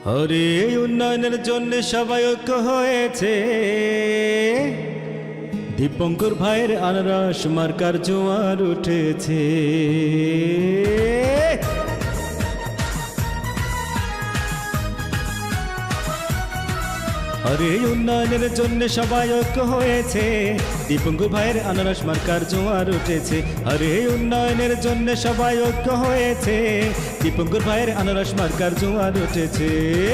হরে উন্নয়নের জন্য সবাই ঐক্য হয়েছে, দীপঙ্কর ভাইয়ের আনারস মার্কার জোয়ার উঠেছে। হরে উন্নয়নের জন্য সবাই ঐক্য হয়েছে, দীপঙ্কর ভাইয়ের আনারস মার্কার জোয়ার উঠেছে। হরে উন্নয়নের জন্য সবাই ঐক্য হয়েছে, দীপঙ্কর ভাইয়ের আনারস মার্কার জোয়ার উঠেছে।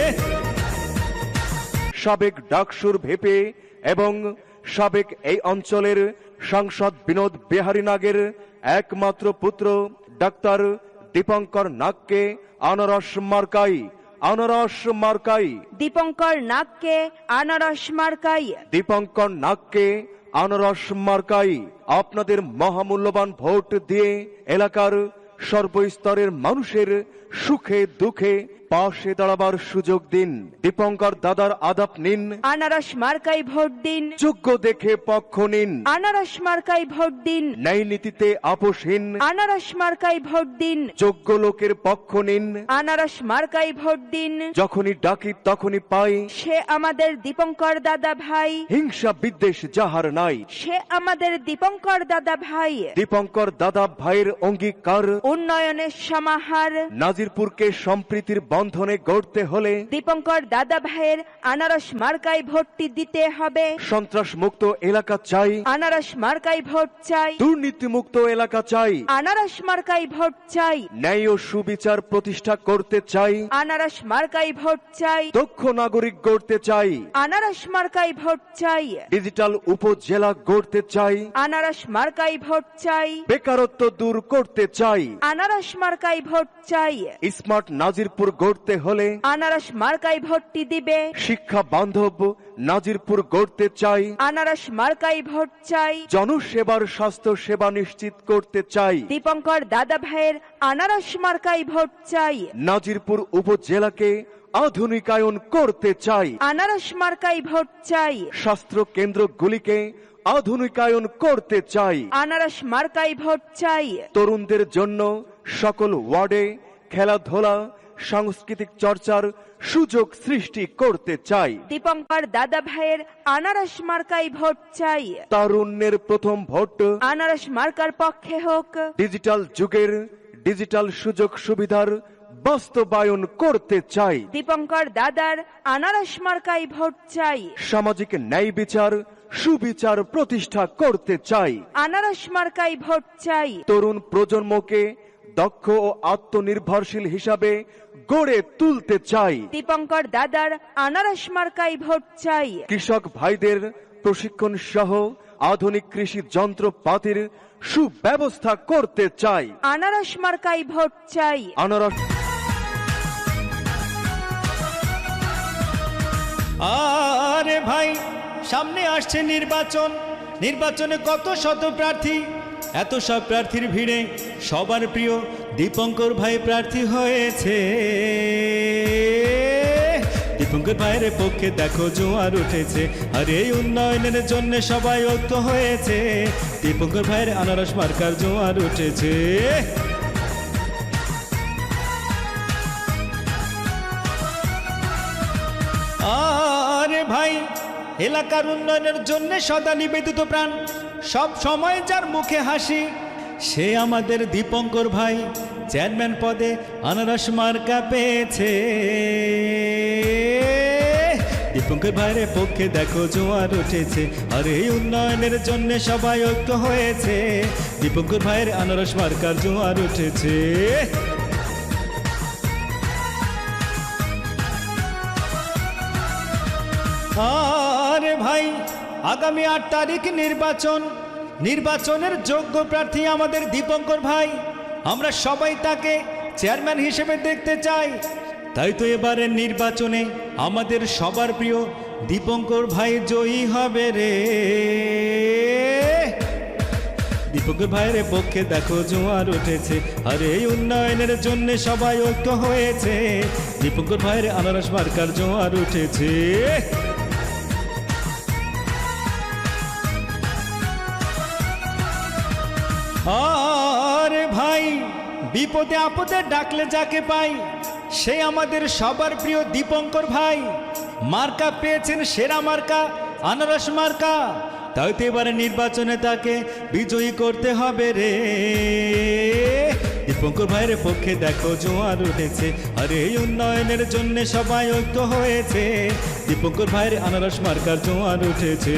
সাবেক ডাকসুর ভেপে এবং সাবেক এই অঞ্চলের সাংসদ বিনোদ বিহারী নাগের একমাত্র পুত্র ডাক্তার দীপঙ্কর নাগকে আনারস মার্কাই, আনারস মার্কাই, দীপঙ্কর নাগকে আনারস মার্কাই, দীপঙ্কর নাগকে আনারস মার্কাই। আপনাদের মহামূল্যবান ভোট দিয়ে এলাকার সর্বস্তরের মানুষের সুখে দুঃখে পাশে দাঁড়াবার সুযোগ দিন। দীপঙ্কর দাদার আদাব নিন, আনারস মার্কাই ভোট দিন, যোগ্য দেখে পক্ষ নিন, আনারস মার্কাই ভোট দিন, ন্যায় নীতিতে আপোষহীন আনারস মার্কাই ভোট দিন, যোগ্য লোকের পক্ষ নিন। আনারস মার্কাই ভোট দিন। যখনই ডাকি তখনই পাই, সে আমাদের দীপঙ্কর দাদা ভাই, হিংসা বিদ্বেষ যাহার নাই। সে আমাদের দীপঙ্কর দাদা ভাই, দীপঙ্কর দাদা ভাইয়ের অঙ্গীকার, উন্নয়নের সমাহার। নাজিরপুরকে সম্প্রীতির বন্ধনে গড়তে হলে দীপঙ্কর দাদা ভাইয়ের আনারস মার্কাই ভোটটি দিতে হবে। সন্ত্রাস মুক্ত এলাকা চাই, আনারস মার্কাই ভোট চাই, দুর্নীতি মুক্ত এলাকা চাই, আনারস মার্কাই ভোট চাই, ন্যায় ও সুবিচার প্রতিষ্ঠা করতে চাই, আনারস মার্কাই ভোট চাই, দক্ষ নাগরিক গড়তে চাই, আনারস মার্কাই ভোট চাই, ডিজিটাল উপজেলা গড়তে চাই, আনারস মার্কাই ভোট চাই, বেকারত্ব দূর করতে চাই, আনারস মার্কাই ভোট চাই। স্মার্ট নাজিরপুর গড়তে হলে আনারস মার্কাই ভোটটি দিবে। শিক্ষা বান্ধব নাজিরপুর গড়তে চাই, আনারস মার্কাই ভোট চাই। জনসেবার স্বাস্থ্য সেবা নিশ্চিত করতে চাই, দীপঙ্কর দাদা ভাইয়ের আনারস মার্কাই ভোট চাই। নাজিরপুর উপজেলাকে আধুনিকায়ন করতে চাই, আনারস মার্কাই ভোট চাই। স্বাস্থ্য কেন্দ্রগুলিকে আধুনিকায়ন করতে চাই, আনারস মার্কাই ভোট চাই। তরুণদের জন্য সকল ওয়ার্ডে খেলাধুলা সাংস্কৃতিক চর্চার সুযোগ সৃষ্টি করতে চাই, দীপঙ্কর দাদা ভাইয়ের আনারস মার্কাই ভোট চাই। তারুণ্যের প্রথম ভোট আনারস মার্কার পক্ষে হোক। ডিজিটাল যুগের ডিজিটাল সুযোগ সুবিধার বাস্তবায়ন করতে চাই, দীপঙ্কর দাদার আনারস মার্কাই ভোট চাই। সামাজিক ন্যায় বিচার সুবিচার প্রতিষ্ঠা করতে চাই, আনারস মার্কাই ভোট চাই। তরুণ প্রজন্মকে দক্ষ ও আত্মনির্ভরশীল হিসাবে গড়ে তুলতে চাই, দীপঙ্কর দাদার আনারস মার্কাই ভোট চাই। কৃষক ভাইদের প্রশিক্ষণ সহ আধুনিক কৃষি যন্ত্রপাতির সুব্যবস্থা করতে চাই, আনারস মার্কাই ভোট চাই। আনারস। আরে ভাই, সামনে আসছে নির্বাচন, নির্বাচনে কত শত প্রার্থী, এত সব প্রার্থীর ভিড়ে সবার প্রিয় দীপঙ্কর ভাই প্রার্থী হয়েছে। দীপঙ্কর ভাইয়ের পক্ষে দেখো জোয়ার উঠেছে, আর এই উন্নয়নের জন্য সবাই ঐক্য হয়েছে, দীপঙ্কর ভাইয়ের আনারস মার্কার জোয়ার উঠেছে। আরে ভাই, এলাকার উন্নয়নের জন্য সদা নিবেদিত প্রাণ, সব সময় যার মুখে হাসি, সে আমাদের দীপঙ্কর ভাই চেয়ারম্যান পদে আনারস মার্কা পেয়েছে। দীপঙ্কর ভাইয়ের পক্ষে দেখো জোয়ার উঠেছে, আর এই উন্নয়নের জন্য সবাই ঐক্য হয়েছে, দীপঙ্কর ভাইয়ের আনারস মার্কার জোয়ার উঠেছে। আরে ভাই, আগামী 8 তারিখ নির্বাচন, নির্বাচনের যোগ্য প্রার্থী আমাদের দীপঙ্কর ভাই, আমরা সবাই তাকে চেয়ারম্যান হিসেবে দেখতে চাই। তাই তো এবারের নির্বাচনে আমাদের সবার প্রিয় দীপঙ্কর ভাই জয়ী হবে রে। দীপঙ্কর ভাইয়ের পক্ষে দেখো জোয়ার উঠেছে, আর এই উন্নয়নের জন্য সবাই ঐক্য হয়েছে, দীপঙ্কর ভাইয়ের আনারস মার্কার জোয়ার উঠেছে। আরে ভাই, বিপদে আপদে ডাকলে যাকে পাই, সে আমাদের সবার প্রিয় দীপঙ্কর ভাই। মার্কা পেয়েছেন সেরা মার্কা, আনারস মার্কা। তাই তো এবারে নির্বাচনে তাকে বিজয়ী করতে হবে রে। দীপঙ্কর ভাইয়ের পক্ষে দেখো জোয়ার উঠেছে, আরে এই উন্নয়নের জন্য সবাই ঐক্য হয়েছে। দীপঙ্কর ভাইয়ের আনারস মার্কার জোয়ার উঠেছে।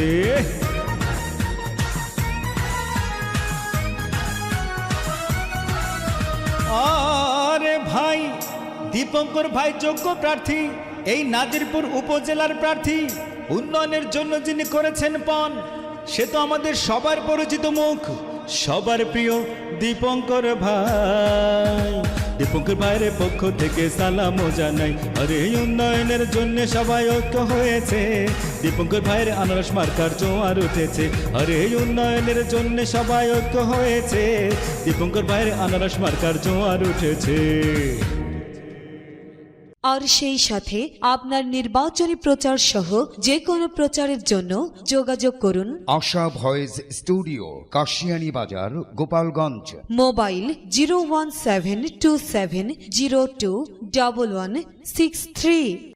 আরে ভাই, দীপঙ্কর ভাই যোগ্য প্রার্থী, এই নাজিরপুর উপজেলার প্রার্থী। উন্নয়নের জন্য যিনি করেছেন পণ, সে তো আমাদের সবার পরিচিত মুখ, সবার প্রিয় দীপঙ্কর ভাই। দীপঙ্কর ভাইয়ের পক্ষ থেকে সালামও জানাই, আরে এই উন্নয়নের জন্য সবাই ঐক্য হয়েছে। দীপঙ্কর ভাইয়ের আনারস মার্কার জোয়ার উঠেছে, আরে এই উন্নয়নের জন্য সবাই ঐক্য হয়েছে। দীপঙ্কর ভাইয়ের আনারস মার্কার জোয়ার উঠেছে। আর সেই সাথে আপনার নির্বাচনী প্রচার সহ যে কোনো প্রচারের জন্য যোগাযোগ করুন আশা ভয়েস স্টুডিও, কাশিয়ানী বাজার, গোপালগঞ্জ। মোবাইল 01727021163।